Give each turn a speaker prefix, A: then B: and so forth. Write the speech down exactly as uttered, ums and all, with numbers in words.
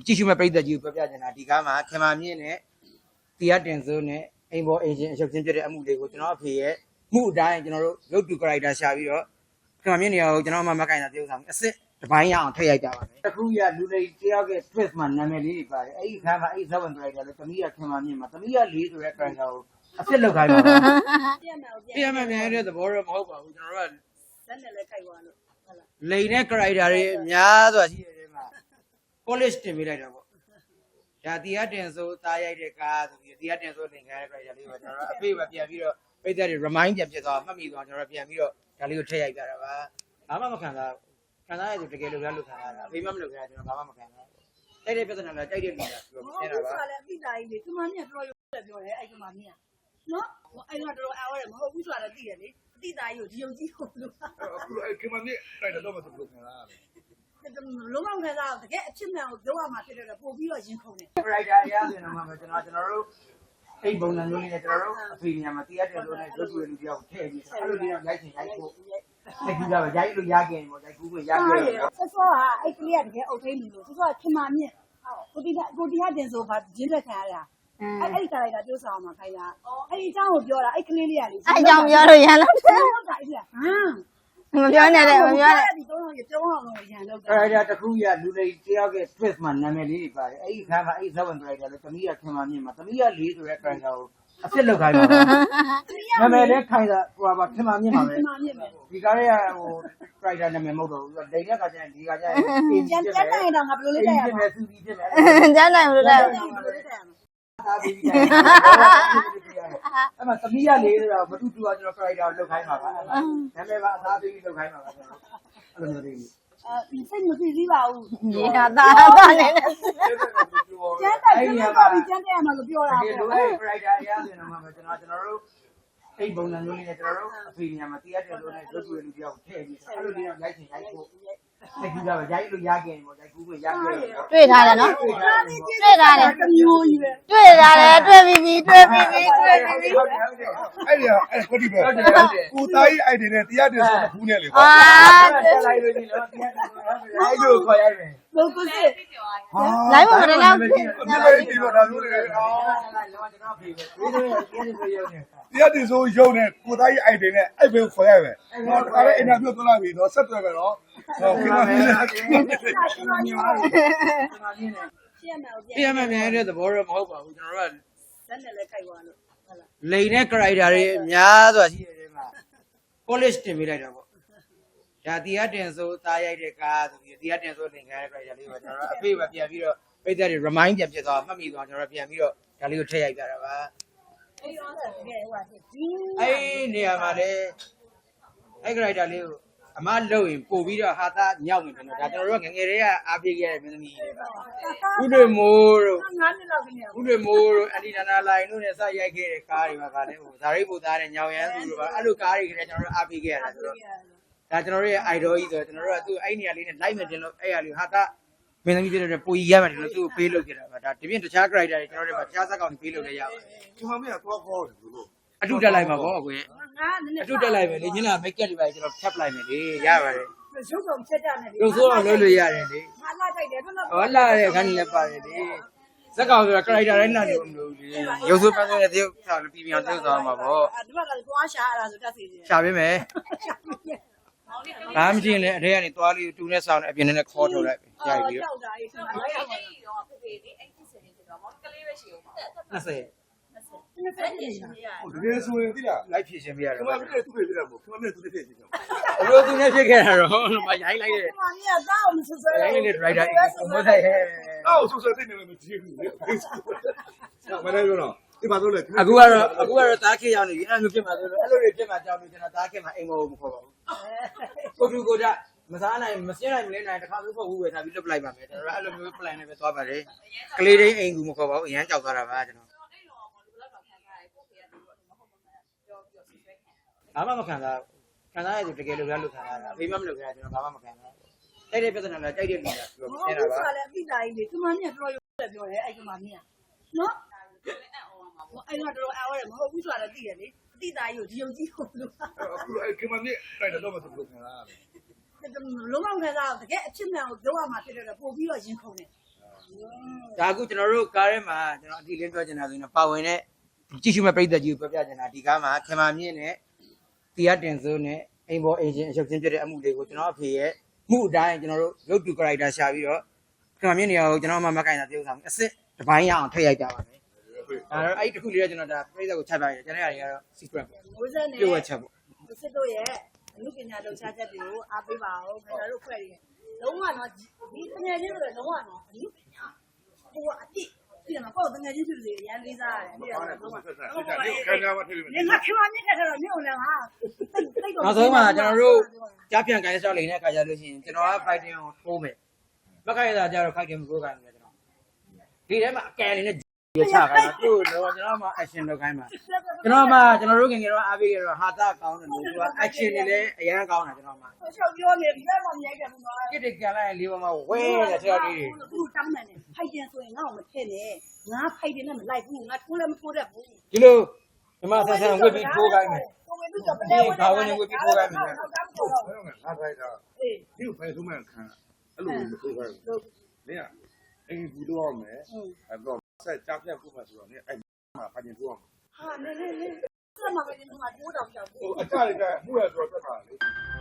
A: ကြည့်ရှုမဲ့ပရိသတ်ကြီးကိုပြောပြချင်တာဒီကားမှာခင်မာမြင့်နဲ့တရားတင်စိုးနဲ့အိမ်ပေါ်အင်ဂျင်အချုပ်ချင်းပြတဲ့အမှုတွေကိုကျွန်တော်အဖေရဲ့မှုအတိုင်းကျွန်တော်တို့ရုပ်တူ character ရှာပြီးတော့ခင်မာမြင့်နေရာကိုကျွန်တော်မှမကင်တာပြောဆောင်အစ်စ်တပိုင်းရအောင်ထည့်ရိုက်ကြပါမယ်တခုရလူလေးတယောက်ရဲ့ twist မှာနာမည်လေးတွေပါတယ်အဲ့ဒီခါမှာအဲ့ဒီဇဝင် character လေးတမီးရခင်မာမြင့်မှာတမီးရလေးဆိုတဲ့ character ကိုအစ်စ်လောက်ခိုင်းပါတော့ပြရမယ်ပြန်တဲ့သဘောတော့မဟုတ်ပါဘူးကျွန်တော်တို့ကလက်နဲ့လည်းခိုက်သွားလို့ဟုတ်လားလိန်တဲ့ character တွေအများစွာရှိတဲ့မှာ polish တင်ပေးလိုက်တာပေါ့ဒါတရားတင်စိုးသားရိုက်တဲ့ကားဆိုပြီးတရားတင်စိုးသင်္ကန်းရဲ့ character လေးကိုကျွန်တော်တို့အဖေပဲပြန်ပြီးတော့ပိတ်သက်တွေ remind ပြန်ဖြစ်သွားမှတ်မိသွားကျွန်တော်တို့ပြန်ပြီးတော့ဒါလေးကိုထည့်ရိုက်ပြတာပါဘာမှမခံစားခံစားရသူတကယ်လို့ရလို့ခံစားတာအဖေမှမလုပ်ခဲ့တာကျွန်တော်ဘာမှမခံစားတိုက်တဲ့ပြဿနာလားတိုက်တဲ့လူလားပြောနေတာပါဟုတ်ကဲ့လည်းအပိတာကြီးလေဒီမှာမြင်တော်ရုံနဲ့ပြောတယ်အဲ့ဒီမှာမြင်နော်အဲ့တော့တော်အားရတယ်မဟုတ်ဘူးဆိုတာလည်းသိတယ်လေအပိတာကြီးကိုဒီယုံကြည်ကိုလို့
B: အခုအဲ့ဒီမှာမြင်တိုက်တော့မသူလို့ခံစားရတယ်
C: လုံးဝခံစားတကယ်အချစ်မှန်ကိုပြောရမှာဖြစ်တယ်ပို့ပြီးတော့ရင်ခုန်တယ်
A: character အရာဆိုရင်တော့မှကျွန်တော်ကျွန်တော်တို့အဲ့ပုံစံမျိုးလေးနဲ့ကျွန်တော်တို့အဖေညမှာတရားတယ်လို့နဲ့ရုပ်တွေ့လူတယောက်ထည့်ပြီးအဲ့လိုလေးတော့ရိုက်ချင်ရိုက်ဖို့အဲ့ဒီကပဲရိုက်လို့ရခဲ့ပေါ့ရိုက်ကူးခွင့်ရခဲ့တယ်
C: ဆောဆောဟာအဲ့ကလေးကတကယ်အုပ်ထိန်လူလို့ဆောဆောကခင်မာမြင့်ကိုတီကိုတီဟာတင်ဆိုဘာဂျင်းသက်ခံရတာအဲ့အဲ့ဒီ character ပြောဆောင်မှာခိုင်းတာအဲ့ဒီအကြောင်းကိုပြောတာအဲ့ကလေးလေးကလေ
D: အဲ့အကြောင်းပြောလို့ရလား
C: ဟုတ်တာအဲ့ဒါဟမ်
D: မပြောနဲ့လေမပြောနဲ့
C: ဒီတော့ရကျောင်းအောင်လို့ရန်လောက်တာ
A: character တခုရလူလေးတယောက်ရဲ့ twist မှာနာမည်လေးတွေပါတယ်အဲ့ဒီခါမှာအဲ့ဒီဇဝင် character လေးတမီးရခင်မာမြင့်မှာတမီးရလေးဆိုတဲ့ character ကိုအစ်စ်လောက်ခိုင်းပါတော့နာမည်လေးခိုင်းတာဟိုပါခင်မာမြင့်ပါပဲဒီကားရဲ့ဟို character နာမည်မဟုတ်တော့ဘူးဒိန်တဲ့ခါကျရင်ဒီခါကျရင်
C: ကျန်ကျန်နိုင်တော့ငါဘယ်လိုလေးတက်ရမလဲ
A: စူပြီးဖြစ်မယ်
D: ကျန်နိုင်လို့တက်
A: သားပြီးအဲ့မှာတမီးရလေးဆိုတော့မတူတူကကျွန်တော် character ကိုလောက်ခိုင်းပါပါနာမည်ကအသားပြီးလောက်ခိုင်းပါပါအဲ့လိုမျိုးလေး
C: အဲစိတ်မသိသေးပါဘူး
D: ဒီဟာသားသားနေတယ်
C: ကျန်တဲ့ကျန်တဲ့ကျန်တဲ့မှာလို့ပြောတာ
A: ဒီလိုအဲ့ character အရာဆိုရင်တော့မှကျွန်တော်ကျွန်တော်တို့အဲ့ပုံစံမျိုးလေးနဲ့ကျွန်တော်တို့အဖေညမှာတရားတယ်လို့နဲ့ရုပ်တွေ့လူတယောက်ထည့်ပြီးအဲ့လိုလေးတော့ရိုက်ချင်ရိုက်ဖို့အဲ့ဒီကပဲရိုက်လို့ရခဲ့တယ်ပေါ့ရိုက်ကူးခွင့်ရခဲ့တယ်
D: တွေ့ထားတယ်နော်တွေ့ထားတယ်
C: တမျိုးကြီးပဲ
D: တွေ့ထားတယ်တွေ့ပြီးပြီတွေ့ပြီးပြီတွေ့ပြီးပြီ
B: အဲ့ဒီအဲ့ကိုဒီပဲကိုသားကြီးအဲ့ဒီနဲ့တရားတယ်ဆိုတော့ဘူးနဲ့လေကွာ
D: အာ
A: တက်လိုက်လို့ဒီလိုတရားတယ်အဲ့လိုခေါ်ရိုက်တယ်
C: ဘုကိုစစ်
D: လိုင်းပေါ်တယ်လောက်
B: ဒီလိုဒီလိုဒါမျိုးတွေအော်တရားတယ်ဆိုရုံနဲ့ကိုသားကြီးအဲ့ဒီနဲ့အဲ့ဘယ်ခေါ်ရပဲတော့ဒါလည်းအင်တာဗျူးသွားလိုက်ပြီတော့ဆက်တွေ့ပဲတော့ဟုတ်ကဲ့ပါ
C: ရှင်း
A: ပြရမယ်ပြန်တဲ့သဘောတော့မဟုတ်ပါဘူးကျွန်တော်တို့က
C: လက်နဲ့လည်းခိုက်သွားလို့ဟုတ်လား
A: လိန်တဲ့ character တွေအများစွာရှိတဲ့မှာ polish တင်ပေးလိုက်တာပေါ့ဒါတရားတင်စိုးသားရိုက်တဲ့ကားဆိုပြီးတရားတင်စိုးသင်္ကန်းရဲ့ character လေးကိုကျွန်တော်တို့အဖေပဲပြန်ပြီးတော့ပိတ်သက်တွေ remind ပြန်ဖြစ်သွားမှတ်မိသွားကျွန်တော်တို့ပြန်ပြီးတော့ဒါလေးကိုထည့်ရိုက်ပြတာပါ
C: အဲ့တော့တကယ်ဟိုကဒီ
A: အဲ့နေရာမှာလေအဲ့ character လေးကိုအမလုံရင်ပို့ပြီးတော့ဟာသားညောက်နေတယ်နော်ဒါကျွန်တော်တို့ကငငယ်တွေကအားပေးခဲ့တဲ့မင်းသမီးတွေပါဥတွေမိုးတို့
C: ငါးနှစ်လောက်ကနေ
A: ဥတွေမိုးတို့အန်တီနာနာလိုင်တို့နဲ့စရိုက်ခဲ့တဲ့ကားတွေပါခါလဲဟိုဇာရိတ်ပူသားတဲ့ညောင်ရမ်းသူတို့ပါအဲ့လိုကားတွေကလည်းကျွန်တော်တို့အားပေးခဲ့ရတာဆိုတော့ဒါကျွန်တော်တို့ရဲ့ idol ကြီးဆိုတော့ကျွန်တော်တို့ကသူ့အဲ့နေရာလေးနဲ့ live နဲ့တင်လို့အဲ့ရလေးဟာသားမင်းသမီးတွေနဲ့ပူကြီးရမှတယ်လို့သူ့ကိုပေးလုပ်ခဲ့တာပါဒါဒီပြင်တခြား character တွေကျွန်တော်တို့ကတခြားဇာတ်ကောင်တွေပေးလုပ်လဲရပါတယ်
B: ဒီမှာမင်းကတော့ခေါ်တယ်လို့
A: အတူတက်လိုက်ပါဘောအကွယ်အတူတက်လိုက်ပဲလေညနာ make up တွေပါကျွန်တော်ဖြတ်ပလိုက်မယ်လေရပါတယ်
C: ရုပ်ဆောင်ချက်ကြနေ
A: ရုပ်ဆိုးအောင်လုပ်လို့ရတယ်လေ
C: ငါလာတိုက်တယ်ဘယ်လို
A: ဟောလာတဲ့ခန်းလည်းပါတယ်လေဇက်ကောင်ဆိုတာ character တိုင်းနာနေလို့မလို့လေရုပ်ဆိုးပန်းတဲ့တယောက်ဆောင်းပြီးပြန်တယောက်ဆောင်းမှာပေါ့
C: ဒီဘက်ကလည်းသွားရှာရတာဆိုတက်စီ
A: ရှာပေးမယ်ဒါမှမကြည့်ရင်လည်းအထဲကနေသွားလေးတူနဲ့ဆောင်းနဲ့အပြင်နဲ့ခေါ်ထုတ်လိုက်ရပြီ
C: ကြောက်တာအေးကျွန်တော်ရောက်ပါတယ်
E: တော့ဖေဖေလေးအဲ့ဒီစင်နေတော့မောင်ကလေးပဲရှိအောင်ပါ
A: နှစ်ဆယ်
C: နှစ်ဆယ်ပြည့်ရှင်ရ
B: တကယ်ဆိုရင်သိလား
A: လိုက်ဖြစ်ရှင်ပြရတယ်
B: ခင်ဗျားတို့သူ့ဖြစ်တယ်မို့ခင်ဗျားတို့သူ့ဖြစ်ဖြစ်ကြ
A: ဘလို့သူနဲ့ဖြစ်ခဲ့တာတော့မရိုင်းလိုက်တဲ့
C: ဒီမှာမြတ်သားအောင်ဆွဆွဲ
A: ရိုင်းလိုက်တဲ့ driver မဟုတ်ဆိုင်ဟဲ့
B: အော်ဆွဆွဲသိနေလို့မကြည့်ဘူးလေမနေ့ကတော့ဒီမှာတော့လေ
A: အခုကတော့အခုကတော့တားခေရောက်နေပြီအဲ့လိုဖြစ်မှာဆိုတော့အဲ့လိုတွေဖြစ်မှာကြောက်လို့ကျွန်တော်တားခေမှာအိမ်မောမခေါ်ပါဘူးကိုတူကိုကြမစားနိုင်မစင်းနိုင်မလဲနိုင်တစ်ခါမျိုးပေါ့ဘူးပဲထားပြီးလွတ်ပလိုက်ပါမယ်ကျွန်တော်အဲ့လိုမျိုး plan နဲ့ပဲသွားပါတယ်ကလေးတိုင်းအိမ်ကူမခေါ်ပါဘူးအရန်ကြောက်သွားတာပါကျွန်တော်ဘာမှမခံစားခံစားရသူတကယ်လို့ရလို့ခံစားတာအဖေမှမလုပ်ခဲ့တာကျွန်တော်ဘာမှမခံစားတိုက်တဲ့ပြဿနာလားတိုက်တဲ့လူလားပြောပြနေတာပါ
C: ဟုတ်ကဲ့လည်းအပိတာကြီးလေဒီမှာမြတ်တော်ရုံနဲ့ပြောတယ်အဲ့ဒီမှာမြတ်နော်အဲ့တော့တော်အားရတယ်မဟုတ်ဘူးဆိုတာလည်းသိတယ်လေအပိတာကြီးကိုဒီယုံကြည်ကိုလို့
B: အခုအဲ့ခင်မမြင့်တိုက်တော့မသူလို့ခံစားရတယ်
C: လုံးဝခံစားတကယ်အချစ်မှန်ကိုပြောရမှာဖြစ်တယ်ပို့ပြီးတော့ရင်ခုန်တယ်
A: ဒါအခုကျွန်တော်တို့ကားထဲမှာကျွန်တော်အတိလင်းပြောချင်တာဆိုရင်ပါဝင်တဲ့ကြည့်ရှုမဲ့ပြည်သက်ကြီးကိုပြောပြချင်တာဒီကားမှာခင်မာမြင့်နဲ့တရားတင်စိုးနဲ့အိမ်ပေါ်အင်ဂျင်အချုပ်ချင်းပြတဲ့အမှုတွေကိုကျွန်တော်အဖေရဲ့မှုအတိုင်းကျွန်တော်တို့ရုပ်တူ character ရှာပြီးတော့ခင်မာမြင့်နေရာကိုကျွန်တော်မှမကိုင်တာပြုံးဆောင်အစ်စ်တစ်ပိုင်းရအောင်ထည့်ရိုက်ကြပါမယ်ဒါတော့အဲ့ဒီတစ်ခုလေးတော့ကျွန်တော်ဒါပြည်သက်ကိုချက်ပြရတယ်ကျွန်တော်ရတွေကတော့ secret ပေါ့
C: မိုးစက်နဲ့
A: ပြုတ်ဝက်ချက်ပေါ့
C: စစ်တို့ရဲ့အမှုပညာလှူရှားချက်တွေကိုအားပေးပါအောင်ကျွန်တော်တို့ဖွဲ့ရလုံးဝတော့ဒီတကယ်ချင်းဆိုတော့လုံးဝတော့အမှုပညာဟိုအတိဒီမှာပေါ့တကယ်ချင်းဆိုရရန်လေးစားရတယ်ပြီးတော့လုံးဝ
B: ဆက်ဆက်ဆက်ခံရမှာထည့်လို့
C: ဒီမှာခင်ဗျာမြင့်တဲ့တော့မြို့လည်းဟာတိတ်တော့
A: နောက်ဆုံးမှာကျွန်တော်တို့ကြားပြန်ကိုင်းဆောက်လိမ့်တဲ့အခါကျလို့ရှိရင်ကျွန်တော်က fighting ကိုထိုးမယ်မကိုင်ရတာကျတော့ fighting မထိုးခိုင်းဘူးကျွန်တော်ဒီထဲမှာအကန်လေးနဲ့ရချခိုင်းတာသူ့တော့ကျွန်တော်မှ action လုပ်ခိုင်းမှာကျွန်တော်မှကျွန်တော်တို့ငယ်ငယ်တော့အားပေးကြတော့ဟာတာကောင်းတယ်လို့သူက action တွေလည်းအရင်ကောင်းတာကျွန်တော်မှ
C: ချုပ်ပြောနေဒီမှာမြိုက်တယ်ဘူးနော်
A: ကစ်တကန်လိုက်လေးပေါ်မှာဝဲတဲ့ခြေတော်လေးတွေ
C: သူတောင်းတယ်ဖိုက်တင်ဆိုရင်ငါ့ကိုမထည့်နဲ့ငါဖိုက်တင်နဲ့မလိုက်ဘူးငါထိုးလည်းမထိုးတတ်ဘူး
A: ဒီလိုဒီမှာဆန်းဆန်းဝစ်ပြီးထိုးခိုင်းမယ်
C: ကိုဝေပြီးတော့ပလဲဝဲ
A: ဘာဝင်ဝစ်ပြီးထိုးခိုင်းမယ်
B: ငါဖိုက်တာဒီဖိုက်ဆုံးမှခံအဲ့လိုမထိုးခိုင်းဘူးနေရအဲ့ဒီဘူးတော့မယ်အဲ့တော့ဆက်ကြားပြတ်ဖို့မှဆိုတော့နေအဲ့မှာဖိုင်တင်ထိုးအောင်
C: ဟာနေနေနေဆက်မှာပဲဒီမှာတိုးတော့ပြောက်ဘူး
B: ဟိုအကြရကမှုရဆိုတော့တက်ပါလေ